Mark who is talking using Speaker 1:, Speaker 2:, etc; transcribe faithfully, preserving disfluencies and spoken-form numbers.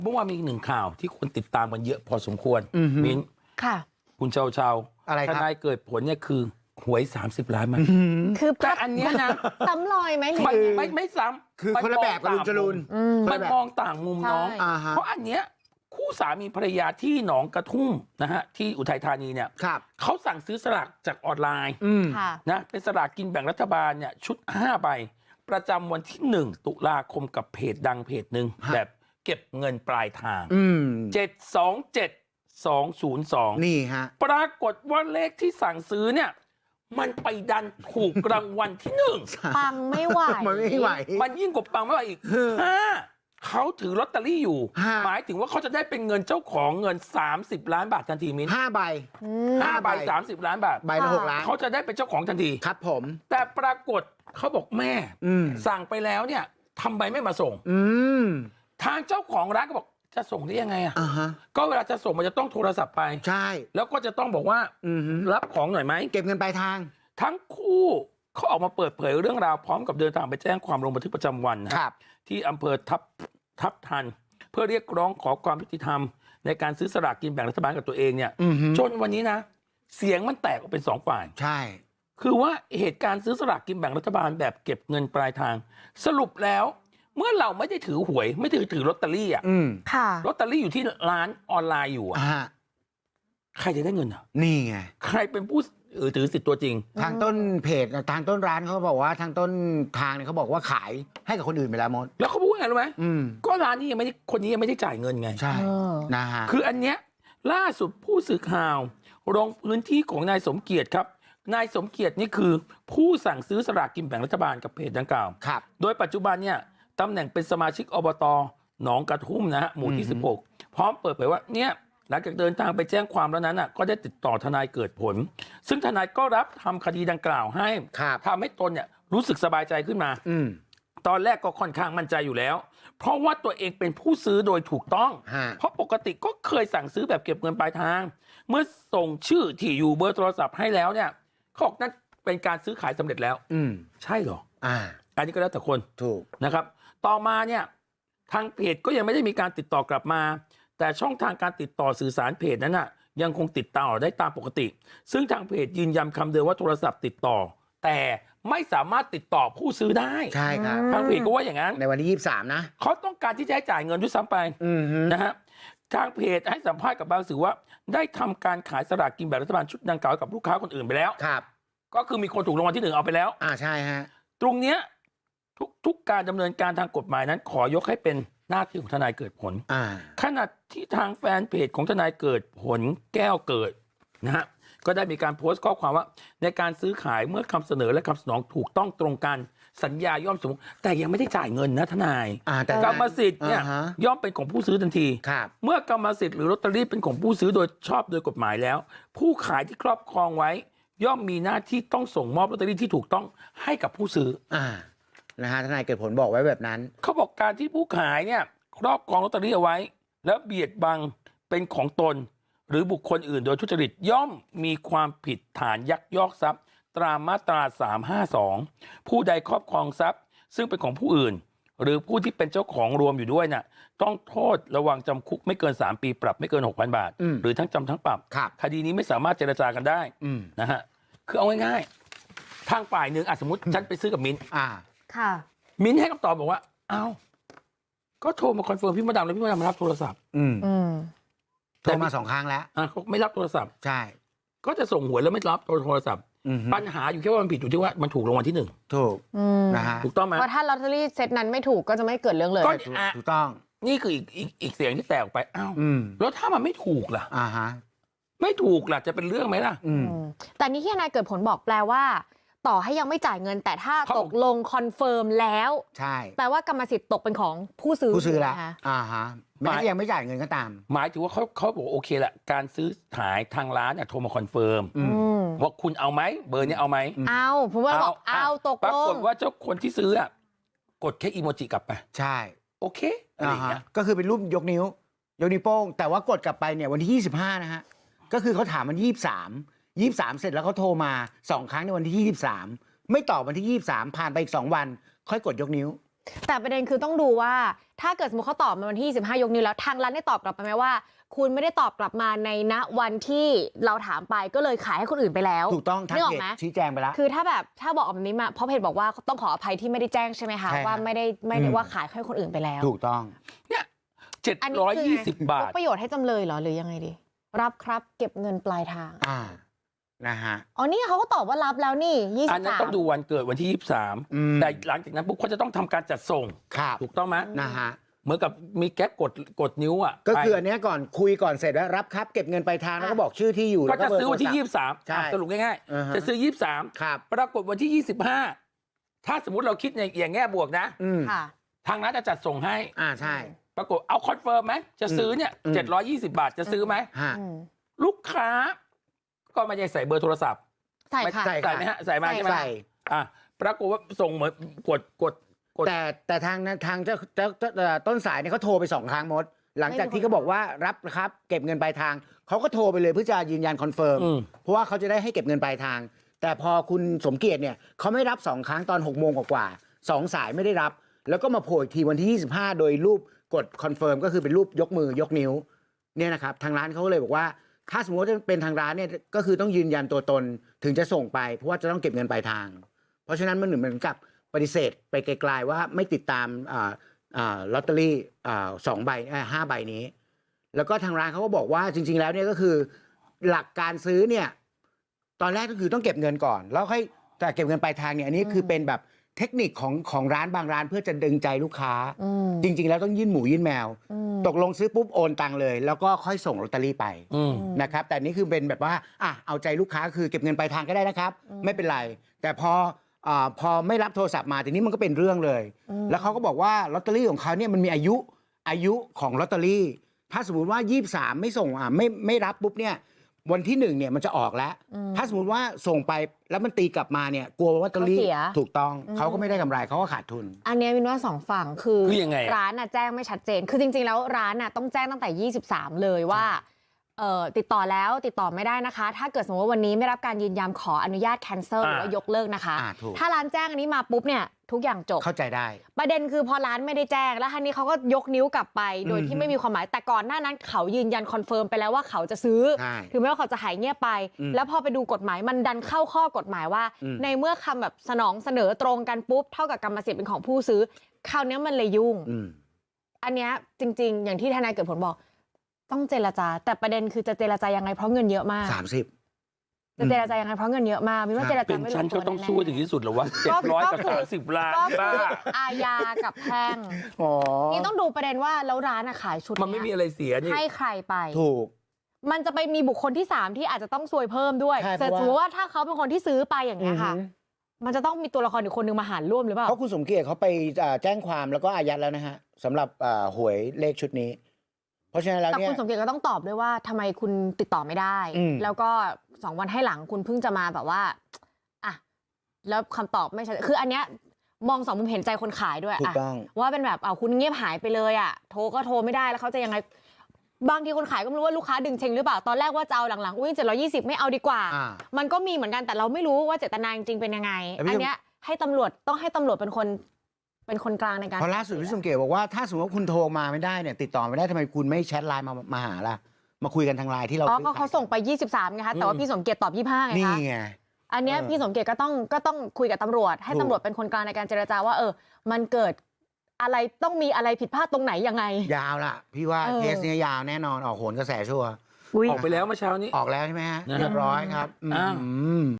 Speaker 1: เมื่อวานมีอีกหนึ่งข่าวที่คนติดตามกันเยอะพอสมควรมิ้น
Speaker 2: ค่ะ
Speaker 1: คุณเชาเชา
Speaker 3: อะไรครับ
Speaker 1: ทนายเกิดผลเนี่ยคือหวยสามสิบล้านมัน
Speaker 2: คือ
Speaker 1: แต่อันเนี้ยนะ
Speaker 2: ซ้ำรอยไหม
Speaker 1: ไม่ไม่ไม่ซ้ำ
Speaker 3: คือคนละแบบกับลุงจรูน
Speaker 1: มันมองต่างมุมน้องเพราะอันเนี้ยคู่สามีภรรยาที่หนองกระทุ่มนะฮะที่อุทัยธานีเนี่ยเขาสั่งซื้อสลากจากออนไลน์นะเป็นสลากกินแบ่งรัฐบาลเนี่ยชุดห้าใบประจำวันที่หนึ่งตุลาคมกับเพจดังเพจหนึ่งแบบเก็บเงินปลายทางเจ็ดสองเจ็ดสองศูนย์สอง
Speaker 3: นี่ฮะ
Speaker 1: ปรากฏว่าเลขที่สั่งซื้อเนี่ยมันไปดันถูกรางวัลที่หนึ่ง
Speaker 2: ปังไม่ไหว
Speaker 3: มันไม่ไหว
Speaker 1: มันยิ่งกว่าปังไม่ไหวอีกห้าเขาถือลอตเตอรี่อยู่หมายถึงว่าเขาจะได้เป็นเงินเจ้าของเงินสามสิบล้านบาททันทีมิ้น
Speaker 3: ห้าใบ
Speaker 1: ห้าใบสามสิบล้านบาท
Speaker 3: ใบละหกล้าน
Speaker 1: เขาจะได้เป็นเจ้าของทันที
Speaker 3: ครับผม
Speaker 1: แต่ปรากฏเขาบอกแม่สั่งไปแล้วเนี่ยทำไมไม่มาส่งทางเจ้าของร้านก็บอกจะส่งได้ยังไงอ่ะก็เวลาจะส่งมันจะต้องโทรศัพท์ไป
Speaker 3: ใช่
Speaker 1: แล้วก็จะต้องบอกว่ารับของหน่อยไหม
Speaker 3: เก็บเงินปลายทาง
Speaker 1: ทั้งคู่เขาออกมาเปิดเผยเรื่องราวพร้อมกับเดินทางไปแจ้งความลงบันทึกประจำวันนะครับที่อำเภอทับทับทันเพื่อเรียกร้องขอความยุติธรรมในการซื้อสลากกินแบ่งรัฐบาลกับตัวเองเนี่ยจนวันนี้นะเสียงมันแตกออกเป็นสองฝ่าย
Speaker 3: ใช่
Speaker 1: คือว่าเหตุการณ์ซื้อสลากกินแบ่งรัฐบาลแบบเก็บเงินปลายทางสรุปแล้วเมื่อเราไม่ได้ถือหวยไม่ถือถือลอตเตอรี่อ่ะลอตเตอรี่อยู่ที่ร้านออนไลน์อยู่อ่ะใครจะได้เงินอ่ะ
Speaker 3: นี่ไง
Speaker 1: ใครเป็นผู้ถือสิทธิ์ตัวจริง
Speaker 3: ทางต้นเพจทางต้นร้านเขาบอกว่าทางต้นทางเนี่ยเขาบอกว่าขายให้กับคนอื่นไปแล้วมด
Speaker 1: แล้วเขาพูดไงรู้ไหมก็ร้านนี้ยังไม่ได้คนนี้ยังไม่ได้จ่ายเงินไง
Speaker 3: ใช่นะฮะ
Speaker 1: คืออันเนี้ยล่าสุดผู้สื่อข่าวลงพื้นที่ของนายสมเกียรติครับนายสมเกียรตินี่คือผู้สั่งซื้อสลากกินแบ่งรัฐบาลกับเพจดังกล่าว
Speaker 3: ครับ
Speaker 1: โดยปัจจุบันเนี่ยตำแหน่งเป็นสมาชิกอบต.หนองกระทุ่มนะฮะหมู่ที่สิบหกพร้อมเปิดเผยว่าเนี่ยหลังจากเดินทางไปแจ้งความแล้วนั้นอ่ะก็ได้ติดต่อทนายเกิดผลซึ่งทนายก็รับทำคดีดังกล่าวให้ทำให้ตนเนี่ยรู้สึกสบายใจขึ้นมาตอนแรกก็ค่อนข้างมั่นใจอยู่แล้วเพราะว่าตัวเองเป็นผู้ซื้อโดยถูกต้องเพราะปกติก็เคยสั่งซื้อแบบเก็บเงินปลายทางเมื่อส่งชื่อที่อยู่เบอร์โทรศัพท์ให้แล้วเนี่ยเขาบอกนั่นเป็นการซื้อขายสำเร็จแล้วใช่เหรออ่าอันนี้ก็แล้วแต่คน
Speaker 3: ถูก
Speaker 1: นะครับต่อมาเนี่ยทางเพจก็ยังไม่ได้มีการติดต่อกลับมาแต่ช่องทางการติดต่อสื่อสารเพจนั้นน่ะยังคงติดต่อได้ตามปกติซึ่งทางเพจยืนยันคำเดิมว่าโทรศัพท์ติดต่อแต่ไม่สามารถติดต่อผู้ซื้อได้
Speaker 3: ใช่ครับ
Speaker 1: ทางเพจก็ว่าอย่างนั้น
Speaker 3: ในวันที่ยี่สิบสามนะ
Speaker 1: เขาต้องการที่จะให้จ่ายเงินด้วยซ้ำไปนะฮะทางเพจให้สัมภาษณ์กับบางสื่อว่าได้ทำการขายสลากกินแบ่งรัฐบาลชุดดังกล่าวกับลูกค้าคนอื่นไปแล้ว
Speaker 3: ครับ
Speaker 1: ก็คือมีคนถูกรางวัลที่หนึ่งเอาไปแล้ว
Speaker 3: อ่าใช่ฮะ
Speaker 1: ตรงเนี้ยทุกทุกการดำเนินการทางกฎหมายนั้นขอยกให้เป็นหน้าที่ของทนายเกิดผลขณะที่ทางแฟนเพจของทนายเกิดผลแก้วเกิดนะฮะก็ได้มีการโพสต์ข้อความว่าในการซื้อขายเมื่อคำเสนอและคำสนองถูกต้องตรงกันสัญญาย่อมสมแต่ยังไม่ได้จ่ายเงินนะทนายกรรมสิทธิ์เนี่ยย่อมเป็นของผู้ซื้อทันทีเมื่อกรรมสิทธิ์หรือลอตเตอรี่เป็นของผู้ซื้อโดยชอบโดยกฎหมายแล้วผู้ขายที่ครอบครองไว้ย่อมมีหน้าที่ต้องส่งมอบลอตเตอรี่ที่ถูกต้องให้กับผู้ซื้อ
Speaker 3: อ่านะฮะทนายเกิดผลบอกไว้แบบนั้น
Speaker 1: เขาบอกการที่ผู้ขายเนี่ยครอบครองลอตเตอรี่เอาไว้แล้วเบียดบังเป็นของตนหรือบุคคลอื่นโดยทุจริตย่อมมีความผิดฐานยักยอกทรัพย์ตามมาตราสามห้าสองผู้ใดครอบครองทรัพย์ซึ่งเป็นของผู้อื่นหรือผู้ที่เป็นเจ้าของรวมอยู่ด้วยน่ะต้องโทษระวังจำคุกไม่เกินสามปีปรับไม่เกิน หกพัน บาทหรือทั้งจำทั้งปรับคดีนี้ไม่สามารถเจรจากันได้นะฮะคือเอาง่ายๆทางฝ่ายหนึ่งสมมติฉันไปซื้อกับมิ้น
Speaker 3: อ่า
Speaker 2: ค่ะ
Speaker 1: มิ้นให้คำตอบบอกว่าอ้าวก็โทรมาคอนเฟิร์มพี่มดดำแล้วพี่มดดำมารับโทรศัพท์
Speaker 3: อืมโทรมาสองครั้งแล้ว
Speaker 1: อ่ะเขาไม่รับโทรศัพท์
Speaker 3: ใช่
Speaker 1: ก็จะส่งหวยแล้วไม่รับโทรศัพท์ปัญหาอยู่แค่ว่ามันผิดอยู่ที่ว่ามันถูกรางวัลที่หนึ่ง
Speaker 3: ถูกนะฮะ
Speaker 1: ถูกต้องไหม
Speaker 2: เพราะถ้าลอตเตอรี่เซตนั้นไม่ถูกก็จะไม่เกิดเรื่องเลย
Speaker 3: ถูกต้อง
Speaker 1: นี่คืออีกอีกอีกเสียงที่แตกออกไปอ้าวแล้วถ้ามันไม่ถูกล่ะ
Speaker 3: อ่าฮะ
Speaker 1: ไม่ถูกล่ะจะเป็นเรื่องไหมล่ะ
Speaker 2: แต่นี่ที่นายเกิดผลบอกแปลว่าต่อให้ยังไม่จ่ายเงินแต่ถ้าตกลงคอนเฟิร์มแล้ว
Speaker 3: ใช่
Speaker 2: แปลว่ากรรมสิทธิ์ตกเป็นของผู้ซื้อ
Speaker 3: ผู้ซื้อแล้วอ่าฮะแม้ยังไม่จ่ายเงินก็ตาม
Speaker 1: หมายถึงว่าเขาเขาบอกโอเคแหละการซื้อขายทางร้านเนี่ยโทรมาคอนเฟิร์มว่าคุณเอาไหมเบอร์นี้เอาไหม
Speaker 2: เอาผมว่าบอกเอาตกลง
Speaker 1: ปรากฏว่าเจ้าคนที่ซื้ออ่ะกดแค่อีโมจิกลับไป
Speaker 3: ใช่
Speaker 1: โอเคอะไรอย่างเงี้ย
Speaker 3: ก็คือเป็นรูปยกนิ้วยกนิ้วโป้งแต่ว่ากดกลับไปเนี่ยวันที่ยี่สิบห้านะฮะก็คือเขาถามมันยี่สิบสามยี่สิบสามเสร็จแล้วเขาโทรมาสองครั้งในวันที่ยี่สิบสามไม่ตอบวันที่ยี่สิบสามผ่านไปอีกสองวันค่อยกดยกนิ้ว
Speaker 2: แต่ประเด็นคือต้องดูว่าถ้าเกิดสมมติเขาตอบมาวันที่ยี่สิบห้ายกนิ้วแล้วทางร้านได้ตอบกลับไปไหมว่า คุณไม่ได้ตอบกลับมาในณวันที่เราถามไปก็เลยขายให้คนอื่นไปแล้ว
Speaker 3: ถูกต้องทาง
Speaker 2: นึกออ
Speaker 3: เพ
Speaker 2: ก
Speaker 3: จ
Speaker 2: ไหม
Speaker 3: ชี้แจงไปแล้ว
Speaker 2: คือถ้าแบบถ้าบอกแบบนี้มาเพราะเพจบอกว่าต้องขออภัยที่ไม่ได้แจ้งใช่ไหมคะ
Speaker 3: ใช่ครับ
Speaker 2: ว่าไม่ได้ไม่ได้
Speaker 3: อืม
Speaker 2: ว่าขายให้คนอื่นไปแล้ว
Speaker 3: ถูกต้อง
Speaker 1: เนี่ยเจ็ด
Speaker 2: อันนี้
Speaker 1: ร้อย
Speaker 2: คือ
Speaker 1: ยี่
Speaker 2: ไง
Speaker 1: สิบบาท
Speaker 2: ยกประโยชน์ให้จำเลยเหรอหรือยังไงดีรับครับเก็บเงินปลายทาง
Speaker 3: อ่านะฮะ
Speaker 2: อ๋อนี่เขาก็ตอบว่ารับแล้วนี่ยี่
Speaker 1: อั
Speaker 2: สิ
Speaker 1: น
Speaker 2: บ
Speaker 1: นั้น
Speaker 2: สาม
Speaker 1: ต้องดูวันเกิดวันที่ยี่สิบสาม
Speaker 3: อืม
Speaker 1: แต่หลังจากนั้นปุ๊บเขาจะต้องทำการจัดส่ง
Speaker 3: ครับ
Speaker 1: ถูกต้องไหม
Speaker 3: นะฮะ
Speaker 1: เหมือนกับมีแก๊กกดกดนิ้วอ่ะ
Speaker 3: ก็คือ
Speaker 1: ไป
Speaker 3: อันเนี้ยก่อนคุยก่อนเสร็จแล้วรับครับเก็บเงินปลายทางแล้วก็บอกชื่อที่อยู่
Speaker 1: ก็
Speaker 3: แล้ว
Speaker 1: จะ
Speaker 3: เบร์
Speaker 1: ซื้อวันที่
Speaker 3: โทรศัพท์
Speaker 1: ยี่สิบสาม
Speaker 3: ใช่
Speaker 1: สรุปง่าย
Speaker 3: อ่าฮะ
Speaker 1: ๆจะซื้อยี่สิบสาม
Speaker 3: ครับ
Speaker 1: ปรากฏวันที่ยี่สิบห้าถ้าสมมติเราคิดในอย่างแง่บวกนะ
Speaker 3: อืม
Speaker 2: ค่ะ
Speaker 1: ทางร้านจะจัดส่งให้
Speaker 3: อ่าใช่
Speaker 1: ปรากฏเอาคอนเฟิร์มไหมจะซื้อเนี่ย
Speaker 3: อืม
Speaker 1: เจ็ดร้อยยี่สิบบาทจะซื้อไหม
Speaker 3: ฮะ
Speaker 2: อืม
Speaker 1: ลูกค้า ก็ไม่ได้ใส่เบอร์โทรศัพท์
Speaker 2: ใส่ค่ะ
Speaker 3: ใส่
Speaker 1: ใส่ไหมฮะใส่มาใช่ไหม
Speaker 3: ใส่
Speaker 1: อ่ะปรากฏว่าส่งเหมือนกดกดกด
Speaker 3: แต่แต่ทางนั้นทางเจ้าเจ้าเจ้าเอ่อต้นสายเนี่ยเขาโทรไปสองครั้งมด หลังจากที่เขาบอกว่ารับครับเก็บเงินปลายทางเขาก็โทรไปเลยเพื่อจะยืนยันคอนเฟิร์ม
Speaker 1: อืม
Speaker 3: เพราะว่าเขาจะได้ให้เก็บเงินปลายทาง แต่พอคุณสมเกียรติเนี่ยเขาไม่รับสองครั้งตอนหกโมงกว่าๆสองสายไม่ได้รับ แล้วก็มาโผล่อีกทีวันที่ยี่สิบห้าโดยรูปกดคอนเฟิร์มก็คือเป็นรูปยกมือยกนิ้วเนี่ยนะครับทางร้านเขาก็เลยบอกว่า ถ้าสมมติว่าเป็นทางร้านเนี่ยก็คือต้องยืนยันตัวตนถึงจะส่งไป เพราะว่าจะต้องเก็บเงินปลายทาง เพราะฉะนั้นมันเหมือนกับปฏิเสธไปไกลๆว่าไม่ติดตามอ่าอ่าลอตเตอรี่อ่าสองใบอ่าห้าใบนี้ แล้วก็ทางร้านเขาก็บอกว่าจริง ๆ แล้วเนี่ยก็คือหลักการซื้อเนี่ยตอนแรกก็คือต้องเก็บเงินก่อน แล้วค่อยแต่เก็บเงินปลายทางเนี่ยอันนี้คือเป็นแบบเทคนิคของของร้านบางร้านเพื่อจะดึงใจลูกค้า
Speaker 2: อืม
Speaker 3: จริง ๆ แล้วต้องยื่นหมูยื่นแมว
Speaker 2: อืม
Speaker 3: ตกลงซื้อปุ๊บโอนตังเลย แล้วก็ค่อยส่งลอตเตอรี่ไป
Speaker 1: อืม
Speaker 3: นะครับแต่นี่คือเป็นแบบว่าอ่ะเอาใจลูกค้าคือเก็บเงินปลายทางก็ได้นะครับ
Speaker 2: อืม
Speaker 3: ไม่เป็นไร แต่พออ่าพอไม่รับโทรศัพท์มาทีนี้มันก็เป็นเรื่องเลย
Speaker 2: อืม
Speaker 3: แล้วเขาก็บอกว่าลอตเตอรี่ของเขาเนี่ยมันมีอายุอายุของลอตเตอรี่ ถ้าสมมติว่ายี่สิบสามไม่ส่งอ่ะไม่ไม่รับปุ๊บเนี่ยวันที่หนึ่งเนี่ยมันจะออกแล้ว
Speaker 2: อืม
Speaker 3: ถ้าสมมติว่าส่งไปแล้วมันตีกลับมาเนี่ยกลัวว่าลอตเตอรี่
Speaker 2: เขาเสีย
Speaker 3: ถูกต้อง
Speaker 2: อืม
Speaker 3: เขาก็ไม่ได้กำไรเขาก็ขาดทุน
Speaker 2: อันเนี้ยมินว่าสองฝั่งคือ
Speaker 1: คือยังไงอะ
Speaker 2: ร้านน่ะแจ้งไม่ชัดเจน คือจริง ๆ แล้วร้านน่ะต้องแจ้งตั้งแต่ยี่สิบสามเลยว่าเอ่อติดต่อแล้วติดต่อไม่ได้นะคะ ถ้าเกิดสมมติว่าวันนี้ไม่รับการยืนยันขออนุญาตแคนเซิลหรือว่ายกเลิกนะคะ
Speaker 3: อ่าถูก
Speaker 2: ถ้าร้านแจ้งอันนี้มาปุ๊บเนี่ยทุกอย่างจบ
Speaker 3: เข้าใจได้
Speaker 2: ประเด็นคือพอร้านไม่ได้แจ้งแล้วทีนี้เขาก็ยกนิ้วกลับไป โดย
Speaker 3: อื
Speaker 2: ที่
Speaker 3: ม
Speaker 2: ไม่มีความหมายแต่ก่อนหน้านั้นเขายืนยันคอนเฟิร์มไปแล้วว่าเขาจะซื้อ
Speaker 3: ใช่
Speaker 2: ถึงแม้ว่าเขาจะหายเงียบไป
Speaker 3: อืม
Speaker 2: แล้วพอไปดูกฎหมายมันดันเข้าข้อกฎหมายว่า
Speaker 3: อืม
Speaker 2: ในเมื่อคำแบบสนองเสนอตรงกันปุ๊บเท่ากับกรรมสิทธิ์เป็นของผู้ซื้อคราวเนี้ยมันเลยยุ่ง
Speaker 3: อืม
Speaker 2: อันเนี้ยจริง ๆ อย่างที่ทนายเกิดผลบอก ต้องเจรจา แต่ประเด็นคือจะเจรจายังไงเพราะเงินเยอะมาก
Speaker 3: สามสิบ
Speaker 2: จะเจรจายังไงเพราะเงินเยอะมากมินว่าเจร
Speaker 1: เป็
Speaker 2: จาน ไม่ล
Speaker 1: ฉัน
Speaker 2: งตั
Speaker 1: ก็
Speaker 2: ว
Speaker 1: ต้อง
Speaker 2: แน่ๆ
Speaker 1: สู้ให้ถึงที่สุดเหรอวะเจ็ดร้อยกับ
Speaker 2: ก็คือ
Speaker 1: สามสิบล้าน
Speaker 2: ก็คื
Speaker 1: บ้า
Speaker 2: ออาญากับแพ่ง
Speaker 3: อ๋อ
Speaker 2: นี่ต้องดูประเด็นว่าแล้วร้านอะขายชุด
Speaker 1: มันไม่มี
Speaker 2: เนี้ย
Speaker 1: อะไรเสียนี่
Speaker 2: ให้ใครไป
Speaker 3: ถูก
Speaker 2: มันจะไปมีบุคคลที่สามที่อาจจะต้องซวยเพิ่มด้วย
Speaker 3: ใช่
Speaker 2: แต่
Speaker 3: เพ
Speaker 2: ส
Speaker 3: ราะว่า
Speaker 2: มมติว่าถ้าเขาเป็นคนที่ซื้อไปอย่างเงี้ยค่ะ
Speaker 3: อือหือ
Speaker 2: มันจะต้องมีตัวละครอีกคนนึงมาหารร่วมหรือเปล่า
Speaker 3: เพราะคุณสมเกียรติเขาไปอ่าแจ้งความแล้วก็อายัดแล้วนะฮะสำหรับอ่าหวยเลขชุดนี้ เพราะฉะนั้นแล้ว
Speaker 2: แต่
Speaker 3: เนี่ย
Speaker 2: คุณสมเกียรติก็ต้องตอบด้วยว่าทำไมคุณติดต่อไม่ได้
Speaker 3: อืม
Speaker 2: แล้วก็สองวันให้หลังคุณเพิ่งจะมาแบบว่าอ่ะแล้วคำตอบไม่ชัดคืออันเนี้ยมองสองมุมเห็นใจคนขายด้วย
Speaker 3: ถูก
Speaker 2: อะ
Speaker 3: ต้อง
Speaker 2: ว่าเป็นแบบเอาคุณเงียบหายไปเลยอะโทรก็โทรไม่ได้แล้วเขาจะยังไงบางทีคนขายก็ไม่รู้ว่าลูกค้าดึงเชงหรือเปล่าตอนแรกว่าจะเอาหลังๆอุ้ยเจ็ดร้อยยี่สิบไม่เอาดีกว่า
Speaker 3: อ่า
Speaker 2: มันก็มีเหมือนกันแต่เราไม่รู้ว่าเจตนาจริงๆเป็นยังไง
Speaker 3: แต่พี่
Speaker 2: อันเนี้ยให้ตำรวจต้องให้ตำรวจเป็นคนเป็นคนกลางในการ
Speaker 3: เพราะล่าสุดพี่สมเกียรติบอกว่าถ้าสมมติว่าคุณโทรมาไม่ได้เนี่ยติดต่อไม่ได้ทำไมคุณไม่แชทไลน์มามาหาล่ะมาคุยกันทางไลน์ที่เรา
Speaker 2: อ๋อ
Speaker 3: ซื้อ
Speaker 2: ก็
Speaker 3: ขาย
Speaker 2: เขาส่งไปยี่สิบสามไงคะแต่ว่าพี่สมเกียรติตอบยี่สิบห้าไง
Speaker 3: นี่
Speaker 2: คะ
Speaker 3: ไง
Speaker 2: อันเนี้ย
Speaker 3: เออ
Speaker 2: พี่สมเกียรติก็ต้องก็ต้องคุยกับตำรวจ ให้
Speaker 3: ถูก
Speaker 2: ตำรวจเป็นคนกลางในการเจรจาว่า เออ มันเกิดอะไรต้องมีอะไรผิดพลาดตรงไหนยังไง
Speaker 3: ยาวล่ะ พี่ว่า
Speaker 2: เออ
Speaker 3: เคสเนี้ยยาวแน่นอนออกโหนกระแสชัวร์
Speaker 2: อุ๊ย
Speaker 1: ออกไปแล้วเมื่อเช้านี้
Speaker 3: ออกแล้วใช่ไหมฮะ
Speaker 1: นะฮะ
Speaker 3: เรียบร้อยครับ
Speaker 1: อ้าว
Speaker 3: อืม